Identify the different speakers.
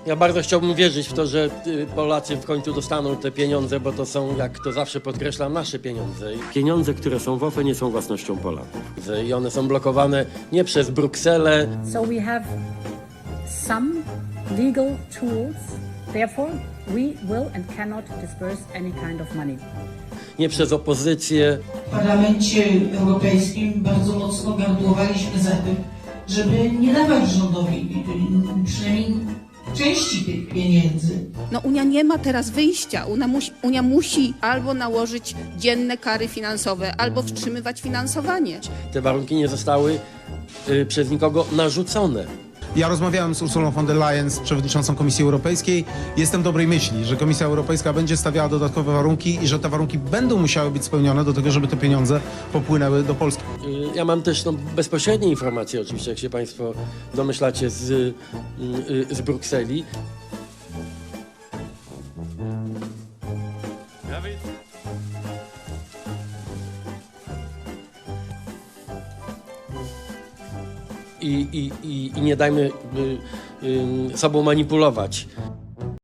Speaker 1: Ja bardzo chciałbym wierzyć w to, że Polacy w końcu dostaną te pieniądze, bo to są, jak to zawsze podkreślam, nasze pieniądze. Pieniądze, które są w OFE, nie są własnością Polaków. I one są blokowane nie przez Brukselę.
Speaker 2: So we have some legal tools. Therefore, we will and cannot disperse any kind of money.
Speaker 1: Nie przez opozycję.
Speaker 3: W Parlamencie Europejskim bardzo mocno gardłowaliśmy za tym, żeby nie dawać rządowi przynajmniej części tych pieniędzy.
Speaker 4: No Unia nie ma teraz wyjścia. Unia musi albo nałożyć dzienne kary finansowe, albo wstrzymywać finansowanie.
Speaker 1: Te warunki nie zostały przez nikogo narzucone.
Speaker 5: Ja rozmawiałem z Ursulą von der Leyen, z przewodniczącą Komisji Europejskiej. Jestem dobrej myśli, że Komisja Europejska będzie stawiała dodatkowe warunki i że te warunki będą musiały być spełnione do tego, żeby te pieniądze popłynęły do Polski.
Speaker 1: Ja mam też bezpośrednie informacje, oczywiście, jak się Państwo domyślacie, z Brukseli. I nie dajmy sobą manipulować.